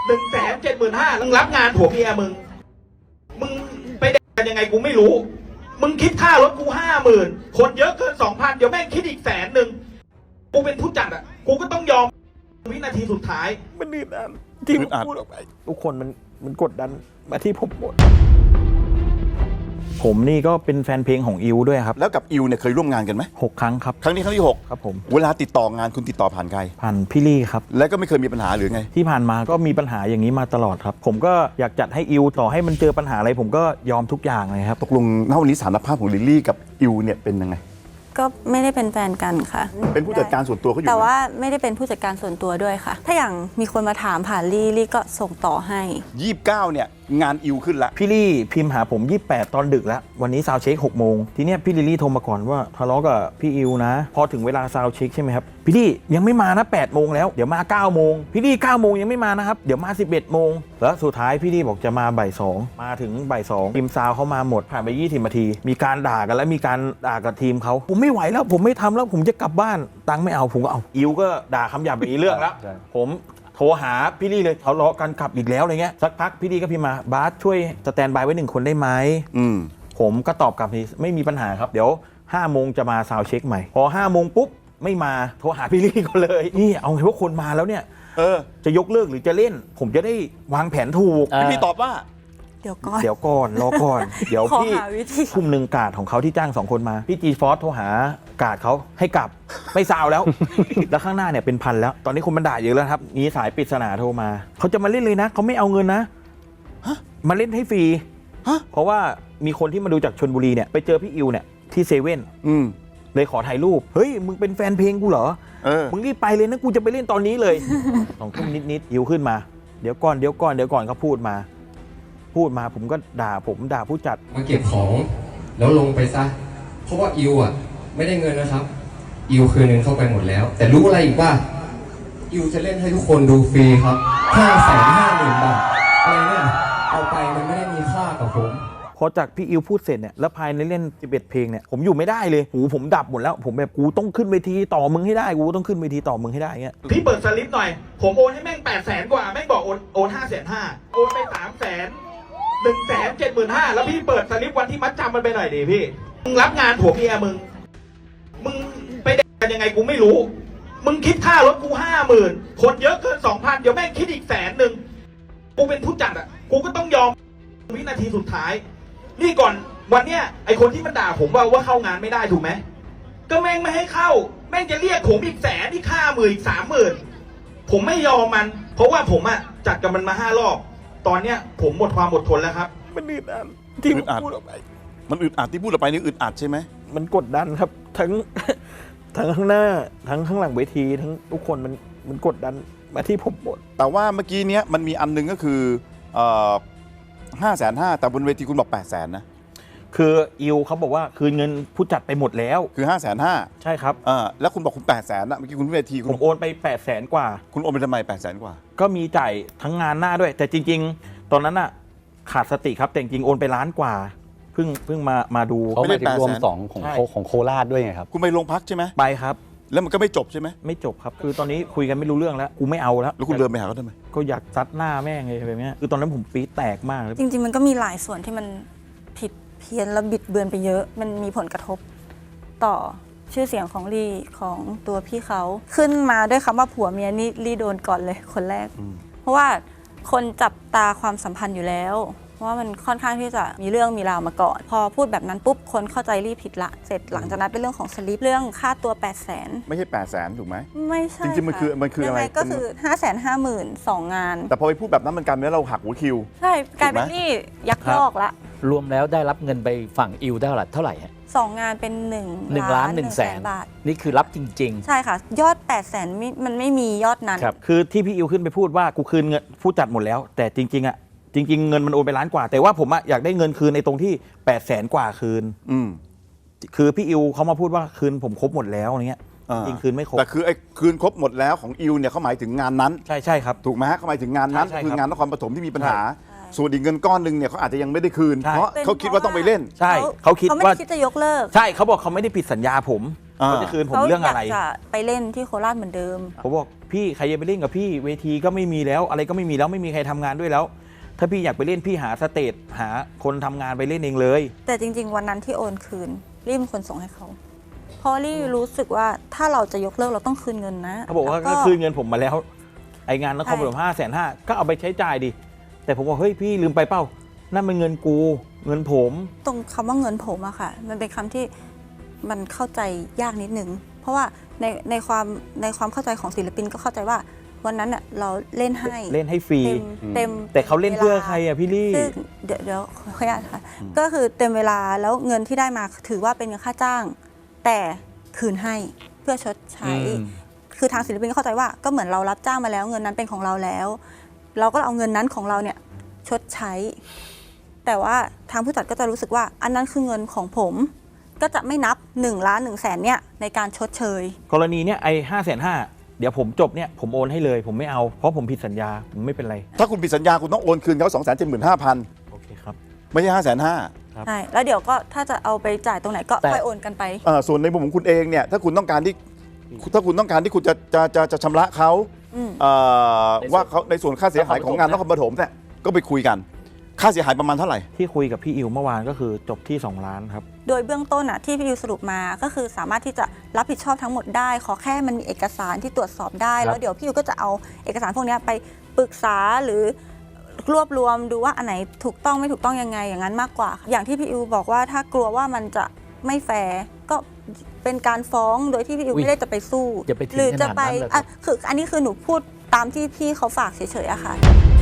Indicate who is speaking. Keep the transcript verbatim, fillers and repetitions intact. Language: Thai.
Speaker 1: หนึ่งแสนเจ็ดหมื่นห้ามึงรับงานผัวเมียมึงมึงไปแดกกันยังไงกูไม่รู้มึงคิดค่ารถกูห้าหมื่นคนเยอะเกินสองพันเดี๋ยวแม่งคิดอีกแสนหนึ่งกูเป็นผู้จัดอ่ะกูก็ต้องยอมวินาทีสุดท้าย
Speaker 2: มันอึดอัดที่ผมพูดออกไปทุกคนมันมันกดดันมาที่ผมหมดผมนี่ก็เป็นแฟนเพลงของอิวด้วยครับ
Speaker 3: แล้วกับอิวเนี่ยเคยร่วมงานกันไหม
Speaker 2: หกครั้งครับ
Speaker 3: ครั้งนี้ครั้งที่หก
Speaker 2: ครับผม
Speaker 3: เวลาติดต่องานคุณติดต่อผ่านใคร
Speaker 2: ผ่านพี่ลี่ครับ
Speaker 3: แล้วก็ไม่เคยมีปัญหาหรือไง
Speaker 2: ที่ผ่านมาก็มีปัญหาอย่างนี้มาตลอดครับผมก็อยากจัดให้อิวต่อให้มันเจอปัญหาอะไรผมก็ยอมทุกอย่างเลยครับ
Speaker 3: ตกลงณวันนี้สถานภาพของลิลลี่กับอิวเนี่ยเป็นยังไง
Speaker 4: ก็ไม่ได้เป็นแฟนกันค่ะ
Speaker 3: เป็นผู้จัดการส่วนตัวเขาอยู่
Speaker 4: แต่ว่าไม่ได้เป็นผู้จัดการส่วนตัวด้วยค่ะถ้าอย่างมีคนมาถามผ่านลี่ลี่ก็ส่งต่อให้
Speaker 3: ยี่สิบเก้าเนี่ยงานอิวขึ้นละ
Speaker 2: พี่ลี่พิมพ์หาผมยี่สิบแปดตอนดึกแล้ววันนี้ซาวเช็คหกโมงทีเนี้ยพี่ลิลลี่โทรมาก่อนว่าทะเลาะกับพี่อิวนะพอถึงเวลาซาวเช็คใช่ไหมครับพี่ลี่ยังไม่มานะแปดโมงแล้วเดี๋ยวมาเก้าโมงพี่ลี่เก้าโมงยังไม่มานะครับเดี๋ยวมาสิบเอ็ดโมงแล้วสุดท้ายพี่ลี่บอกจะมาบ่ายสองมาถึงบ่ายสองทีมซาวเขามาหมดผ่านไปยี่สิบนาทีมีการด่ากันแล้วมีการด่ากับทีมเขาผมไม่ไหวแล้วผมไม่ทำแล้วผมจะกลับบ้านตังค์ไม่เอาผมก็เอาอิวก็ด่าคำหยาบไปอีกเรื่องแล้วผมโทรหาพี่ลี่เลยทะเลาะกันขับอีกแล้วอะไรเงี้ยสักพักพี่ลี่ก็พิมพ์มาบาสช่วยสแตนบายไว้หนึ่งคนได้ไหม
Speaker 3: อืม
Speaker 2: ผมก็ตอบกลับทีไม่มีปัญหาครับเดี๋ยวห้าโมงจะมาซาวเช็คใหม่พอห้าโมงปุ๊บไม่มาโทรหาพี่ลี่ก็เลยนี่เอาไงว่าคนมาแล้วเนี่ย
Speaker 3: เออ
Speaker 2: จะยกเลิกหรือจะเล่นผมจะได้วางแผนถูก
Speaker 3: พี่ตอบว่า
Speaker 4: เดี๋ยวก่อน
Speaker 2: เดี๋ยวก่อนรอก่อนเดี๋ยวพี่คุมหนึ่งกาดของเขาที่จ้างสองคนมาพี่จีฟอสโทรหากาดเขาให้กลับไม่ซาวแล้ว แล้วข้างหน้าเนี่ยเป็นพันแล้วตอนนี้คนมันด่าเยอะแล้วครับมีสายปริศนาโทรมาเขาจะมาเล่นเลยนะเขาไม่เอาเงินนะมาเล่นให้ฟรีเพราะว่ามีคนที่มาดูจากชลบุรีเนี่ยไปเจอพี่อิวเนี่ยที่เซเว่นเลยขอถ่ายรูปเฮ้ยมึงเป็นแฟนเพลงกูเหรอมึงรีบไปเลยนะกูจะไปเล่นตอนนี้เลยสองทุ่มนิดๆอิวขึ้นมาเดี๋ยวก่อนเดี๋ยวก่อนเดี๋ยวก่อนเขาพูดมาพูดมาผมก็ด่าผมด่าผู้จัด
Speaker 5: มาเก็บของแล้วลงไปซะเพราะว่าอิวอ่ะไม่ได้เงินนะครับอิวคืนเงินเข้าไปหมดแล้วแต่รู้อะไรอีกว่าอิวจะเล่นให้ทุกคนดูฟรีครับห้าแสนห้าหมื่นบาทอะไรเนี่ยเอาไปมันไม่ได้มีค่ากับผม
Speaker 2: พอจากพี่อิวพูดเสร็จเนี่ยแล้วภายในเล่นสิบเอ็ดเพลงเนี่ยผมอยู่ไม่ได้เลยหูผมดับหมดแล้วผมแบบกูต้องขึ้นเวทีต่อมึงให้ได้กูต้องขึ้นเวทีต่อมึงให้ได้เงี้ย
Speaker 1: พี่เปิดสลิปหน่อยผมโอนให้แม่งแปดแสนกว่าแม่งบอกโอนโอนห้าแสนห้าโอนไปสามแสนหนึ่งแสนเจ็ดหมื่นห้าแล้วพี่เปิดสลิปวันที่มัดจำมันไปหน่อยดิพี่มึงรับงานผัวเมียมึงมึงไปแดกกันยังไงกูไม่รู้มึงคิดค่ารถกูห้าหมื่นคนเยอะเกินสองพันเดี๋ยวแม่งคิดอีกแสนหนึ่งกูเป็นผู้จัดอ่ะกูก็ต้องยอมวินาทีสุดท้ายนี่ก่อนวันเนี้ยไอคนที่มันด่าผมว่าว่าเข้างานไม่ได้ถูกไหมก็แม่งไม่ให้เข้าแม่งจะเรียกผมอีกแสนที่ค่าหมื่นอีกสามหมื่นผมไม่ยอมมันเพราะว่าผมอ่ะจัดกับมันมาห้ารอบตอนเนี้ยผมหมดความอดทนแล้วครับ
Speaker 2: มันอึดอัดที่พูดออกไป
Speaker 3: มันอึดอัดที่พูดออกไปนี่อึดอัดใช่ไหม
Speaker 2: มันกดดันครับทั้งทั้งข้างหน้าทั้งข้างหลังเวทีทั้งทุกคนมันมันกดดันมาที่ผมหมด
Speaker 3: แต่ว่าเมื่อกี้เนี้ยมันมีอันนึงก็คือห้าแสนห้าแต่บนเวทีคุณบอกแปดแสนนะ
Speaker 2: คืออิวเขาบอกว่าคืนเงินผู้จัดไปหมดแล้ว
Speaker 3: คือห้าแสนห้า
Speaker 2: ใช่ครับ
Speaker 3: อ่าแล้วคุณบอกคุณแปดแสนนะเมื่อกี้คุณเวที
Speaker 2: ผมโอนไปแปดแสนกว่า
Speaker 3: คุณโอนไปทำไมแปดแสนกว่า
Speaker 2: ก็มีจ่ายทั้งงานหน้าด้วยแต่จริงๆตอนนั้นอะขาดสติครับแต่จริงๆโอนไปล้านกว่าเพิ่งเพิ่งมามาดู
Speaker 6: เขาไม่ได้รวมสองของของโคราชด้วยไงครับ
Speaker 3: คุณไปโรงพักใช่ไหม
Speaker 2: ไปครับ
Speaker 3: แล้วมันก็ไม่จบใช่ไหม
Speaker 2: ไม่จบครับคือตอนนี้คุยกันไม่รู้เรื่องแล้วกูไม่เอาแล้ว
Speaker 3: แล้วคุณเดินไปหาเขาทำไม
Speaker 2: ก็อยากซัดหน้าแม่งเลยแบบนี้คือตอนนั้นผมปี๊ดแตกมาก
Speaker 4: จริงๆมันก็มีหลายส่วนที่มันผิดเพี้ยนและบิดเบือนไปเยอะมันมีผลกระทบต่อชื่อเสียงของลี่ของตัวพี่เขาขึ้นมาด้วยคำว่าผัวเมียนี่ลี่โดนก่อนเลยคนแรกเพราะว่าคนจับตาความสัมพันธ์อยู่แล้วเพราะว่ามันค่อนข้างที่จะมีเรื่องมีราวมาก่อนพอพูดแบบนั้นปุ๊บคนเข้าใจลี่ผิดละเสร็จหลังจากนั้นเป็นเรื่องของสลิปเรื่องค่าตัวแปดแสน
Speaker 3: ไม่ใช่แปดแสนถูกไหม
Speaker 4: ไม่ใช่
Speaker 3: จริงๆมันคือมันคืออะไร
Speaker 4: ก็คือห้าแสนห้าหมื่นสองงาน
Speaker 3: แต่พอไปพูดแบบนั้นมันกลายเป็นเราหักหัวคิว
Speaker 4: ใช่กลายเป็นลี่ยักยอกละ
Speaker 6: รวมแล้วได้รับเงินไปฝั่งอิวได้เท่าไหร่ฮะ
Speaker 4: สองงานเป็นหนึ่ง
Speaker 6: หนึ่งล้านหนึ่งแสนบาทนี่คือรับจริง
Speaker 4: ๆใช่ค่ะยอดแปดแสนมันไม่มียอดนั้น
Speaker 2: ครับคือที่พี่อิวขึ้นไปพูดว่ากูคืนเงินผู้จัดหมดแล้วแต่จริงๆอ่ะจริงๆเงินมันโอนไปล้านกว่าแต่ว่าผมอะอยากได้เงินคืนในตรงที่แปดแสนกว่าคืน
Speaker 3: อืม
Speaker 2: คือพี่อิวเขามาพูดว่าคืนผมครบหมดแล้วอะไรเงี้ยจริงคืนไม่ครบ
Speaker 3: แต่คือไอ้คืนครบหมดแล้วของอิวเนี่ยเขาหมายถึงงานนั้น
Speaker 2: ใช่ใช่ครับ
Speaker 3: ถูกไหมฮะเขาหมายถึงงานนั้นคืองานนครปฐมที่มีปัญหาส่วนอีกเงินก้อนหนึ่งเนี่ยเขาอาจจะยังไม่ได้คืนเพราะเขาคิดว่าต้องไปเล่น
Speaker 2: ใช่เขาคิดว่า
Speaker 4: เขาไม่คิดจะยกเลิก
Speaker 2: ใช่เขาบอกเขาไม่ได้ผิดสัญญาผม
Speaker 3: อ่า
Speaker 2: เขาจะคืนผมเรื่องอะไร
Speaker 4: ขยากจะไปเล่นที่โคราชเหมือนเดิม
Speaker 2: ผมบอกพี่ใครจะไปเล่นกับพี่เวทีก็ไม่มีแล้ว อะไรก็ไม่มีแล้วไม่มีใครทำงานด้วยแล้ว ถ้าพี่อยากไปเล่นพี่หาสเตจหาคนทำงานไปเล่นเองเลย
Speaker 4: แต่จริง ๆ วันนั้นที่โอนคืนรี่เป็นคนส่งให้เขาเพราะรี่รู้สึกว่าถ้าเราจะยกเลิกเราต้องคืนเงินนะ
Speaker 2: เขาบอกว่า
Speaker 4: แล้ว
Speaker 2: ก็คืนเงินผมมาแล้ว ไองานนครปฐมห้าแสนห้าก็เอาไปใช้จ่ายดิแต่ผมบอกเฮ้ยพี่ลืมไปเปล่านั่นมันเงินกูเงินผม
Speaker 4: ตรงคำว่าเงินผมอะค่ะ มันเป็นคำที่มันเข้าใจยากนิดนึงเพราะว่าในในความในความเข้าใจของศิลปินก็เข้าใจว่าวันนั้นอะเราเล่นให้
Speaker 2: เล่นให้ฟรี
Speaker 4: เต็มเต็ม
Speaker 2: แต่เขาเล่นเพื่อใครอะพี่ลี่
Speaker 4: ซึ่งเดี๋ยวเดี๋ยวขออนุญาตค่ะ ก็คือเต็มเวลาแล้วเงินที่ได้มาถือว่าเป็นเงินค่าจ้าง แต่คืนให้เพื่อชดใช้
Speaker 2: อืม
Speaker 4: คือทางศิลปินก็เข้าใจว่าก็เหมือนเรารับจ้างมาแล้ว เงินนั้นเป็นของเราแล้ว เราก็เอาเงินนั้นของเราเนี่ยชดใช้ แต่ว่าทางผู้จัดก็จะรู้สึกว่า อันนั้นคือเงินของผม ก็จะไม่นับ1ล้านหนึ่งแสนเนี่ยในการชดเชย
Speaker 2: กรณีเนี้ยไอ้ห้าแสนห้าเดี๋ยวผมจบเนี่ยผมโอนให้เลย ผมไม่เอาเพราะผมผิดสัญญาผมไม่เป็นไร
Speaker 3: ถ้าคุณผิดสัญญาคุณต้องโอนคืนเขาสองแสนเจ็ดหมื่นห้าพัน
Speaker 2: โอเคครับ
Speaker 3: ไม่ใช่ห้าแสนห้า
Speaker 2: ครับ
Speaker 4: ใช่ แล้วเดี๋ยวก็ถ้าจะเอาไปจ่ายตรงไหนก็
Speaker 6: แต่
Speaker 4: ค่อยโอนกันไป
Speaker 3: ส่วนในมุมของคุณเองเนี่ยถ้าคุณต้องการที่ถ้าคุณต้องการที่คุณจะจะจะจะชำระเขา
Speaker 4: อืม
Speaker 3: เอ่อว่าเขาในส่วนค่าเสียหายของงานนครปฐมเนี่ยก็ไปคุยกัน ค่าเสียหายประมาณเท่าไหร่
Speaker 2: ที่คุยกับพี่อิวเมื่อวานก็คือจบที่สองล้านครับ
Speaker 4: โดยเบื้องต้นอ่ะที่พี่ยูสรุปมาก็คือสามารถที่จะรับผิดชอบทั้งหมดได้ ขอแค่มันมีเอกสารที่ตรวจสอบได้
Speaker 6: ครับ
Speaker 4: แล้วเดี๋ยวพี่ยูก็จะเอาเอกสารพวกเนี้ยไปปรึกษาหรือรวบรวมดูว่าอันไหนถูกต้องไม่ถูกต้องยังไงอย่างนั้นมากกว่าค่ะอย่างที่พี่ยูบอกว่าถ้ากลัวว่ามันจะไม่แฟร์ก็เป็นการฟ้องโดยที่พี่ยู
Speaker 6: อุ๊ย
Speaker 4: ไม่ได้จะไปสู้
Speaker 6: อย่าไปถึง
Speaker 4: หรือจะไป
Speaker 6: ขนาดนั้นเลยครับ
Speaker 4: อ่ะคืออันนี้คือหนูพูดตามที่พี่เขาฝากเฉยๆอะค่ะ